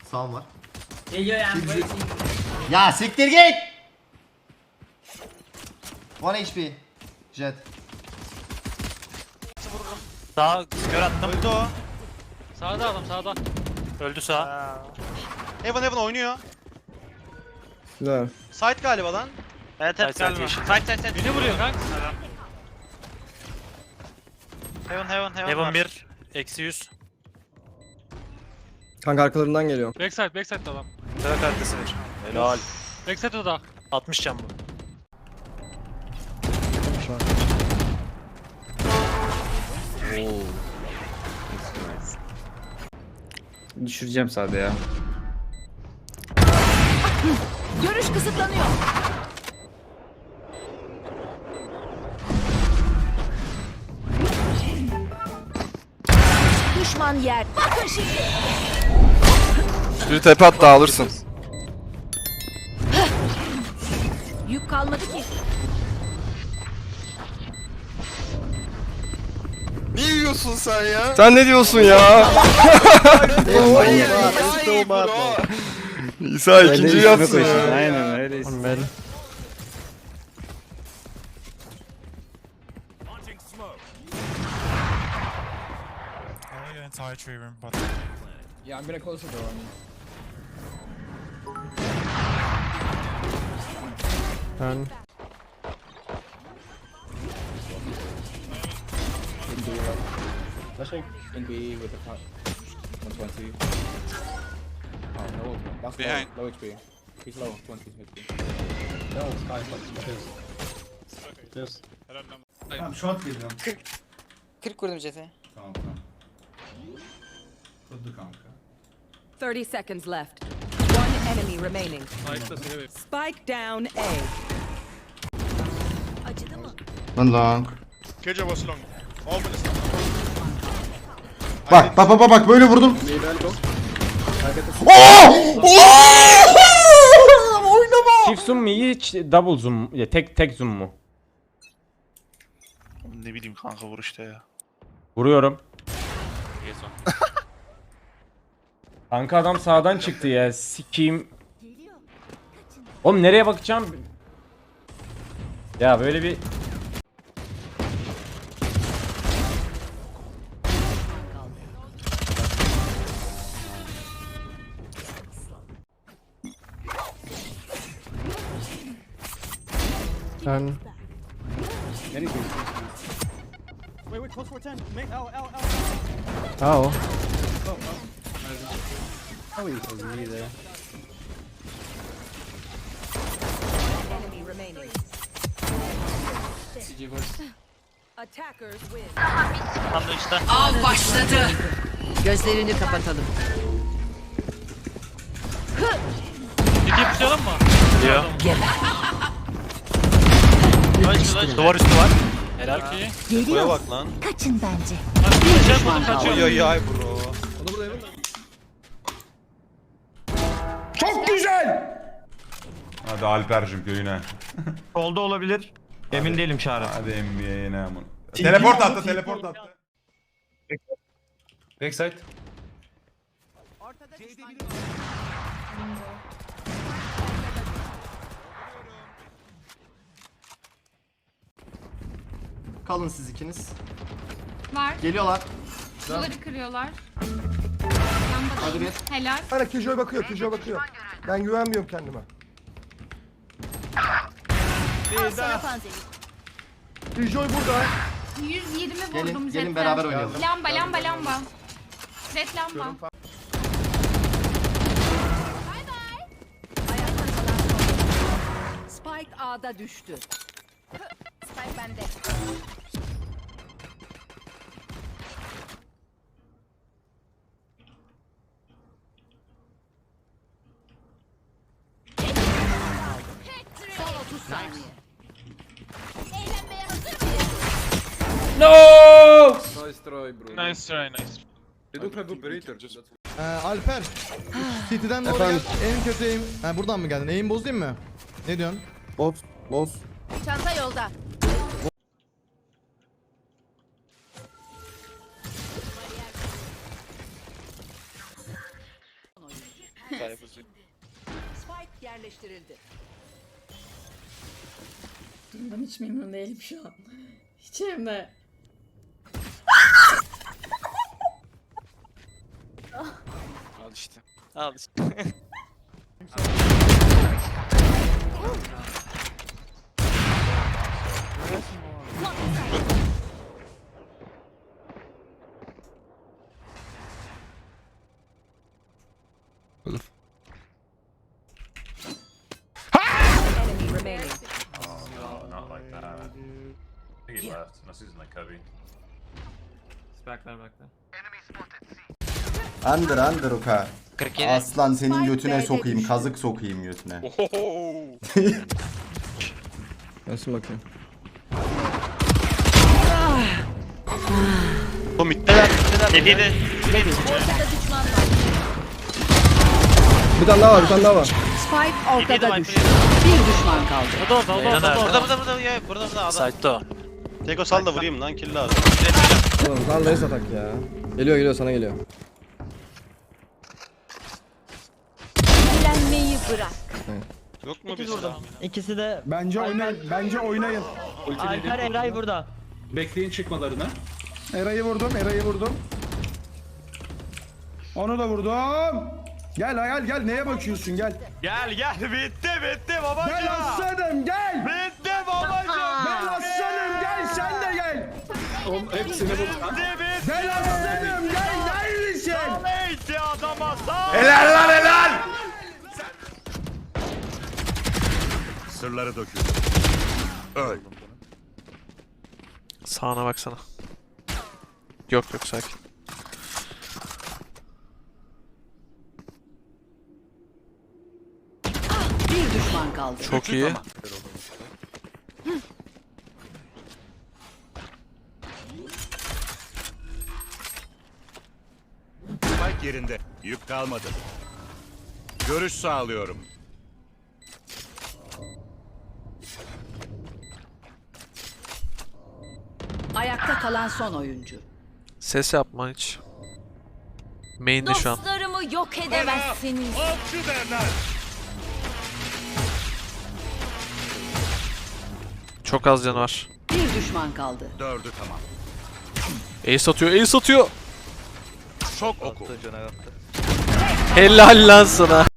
Sağım var. Geliyor yani. Ya siktir git. 1 HP. Jet. Sağ kör attım. Öldü o. Sağda adam sağda. Öldü sağ. Heaven oynuyor. Güzel. Side galiba lan. Evet Evet galiba. Side. Beni vuruyor kanka. Heaven 1. Eksi 100. Kanka arkalarından geliyor. Backside adam. Dört arkası ver. Helal. Backside o da. 60 can bu. Şu an. Düşüreceğim sadece ya. Görüş kısıtlanıyor. Düşman yer. Bakın şimdi. Bir tepe at da alırsın. Yük kalmadı ki. Ne yiyorsun sen ya? Sen ne diyorsun ya? İsa ikinciyi yatsın ya. Aynen öyleyiz. Yeah, I'm gonna close the door on you. In B with the top 120. Oh no, that's low HP. He's low, 20 HP. Tamam short geliyorum. 40 vurdum Jet'e. Tamam. Tuttu kanka. 30 seconds left. One enemy remaining. Spike down A. Acıdı mı? One long. Keja was long. All minutes. Bak böyle vurdum. Çift zoom mu iyi, double zoom mu? Ya tek zoom mu? Ne bileyim kanka vuruşta ya. Vuruyorum. Kanka adam sağdan çıktı ya. Sikeyim. Oğlum nereye bakacağım? Ya böyle bir Wait, close for 10. Make L. o. Enemy remaining. Attackers win. Tam da işte. Av başladı. Gözlerini kapatalım. Ciddi pushlayalım mı? Diyor. Duvar üstü var. Helal ki. Buraya bak lan. Kaçın bence. Kaçıyor. Oy ay bro. Çok güzel! Hadi Alper'cim köyüne. Solda olabilir. Emin değilim Çağrı. Hadi NBA'ye aman. Teleport attı. Backside. Kalın siz ikiniz. Var. Geliyorlar. Duvarı kırıyorlar. Hadi bir. Helal. Hala Killjoy bakıyor. Ben güvenmiyorum kendime. Al sana panzehir. Killjoy burada. 120 vurdum Gelin jetten. beraber oynayalım. Lamba. Jet lamba. Spike A'da düştü. Spike bende. Son 30 saniye. Eğlenmeye hazır mıyız? No! Nice try bro. Nice try nice. They don't have operator. Alper. City'den doğru gel. En kötü aim. Ha, buradan mı geldin? Aim bozayım mı? Ne diyorsun? Boz. Çanta yolda. Spike yerleştirildi. Ben hiç memnun değilim şu an. Hiç hem de. Al işte. Al işte. Enemy remaining. Not like that. I think he left. Unless he's in the cubby. It's back there, back there. Under Uka. 47. Aslan senin götüne sokayım. Kazık sokayım götüne. Nasıl bakayım? Bu mitteler. Dediğini. Bir tane daha var, bir tane daha var. Spike ortada düştü. Bir düşman kaldı. Burada. Site'da. Teko sal da vurayım lan kill lazım. Oğlum lan neyse atak ya. Geliyor sana geliyor. Eğlenmeyi bırak. Yok mu bir silah? İkisi de Bence oynayın. Alper Eray burada. Bekleyin çıkmalarını. Eray'ı vurdum. Onu da vurdum. Gel neye bakıyorsun gel. Gel bitti babacığım. Gel aslanım gel. Bitti babacığım. Gel aslanım gel sen de gel. Oğlum hepsini vur lan. Gel aslanım gel neredesin? Neyse adama sağ. Helal lan helal. Sırları dökün. Öl. Sağına baksana. Yok sakin. Bir düşman kaldı. Çok iyi. Spike yerinde. Yük kalmadı. Görüş sağlıyorum. Ayakta kalan son oyuncu. Ses yapma hiç. Main'de şu an. Dostlarımı yok edemezsiniz. Avcı derler. Çok az canı var. Bir düşman kaldı. Dördü tamam. Ace atıyor. Çok oku. Helal lan sana.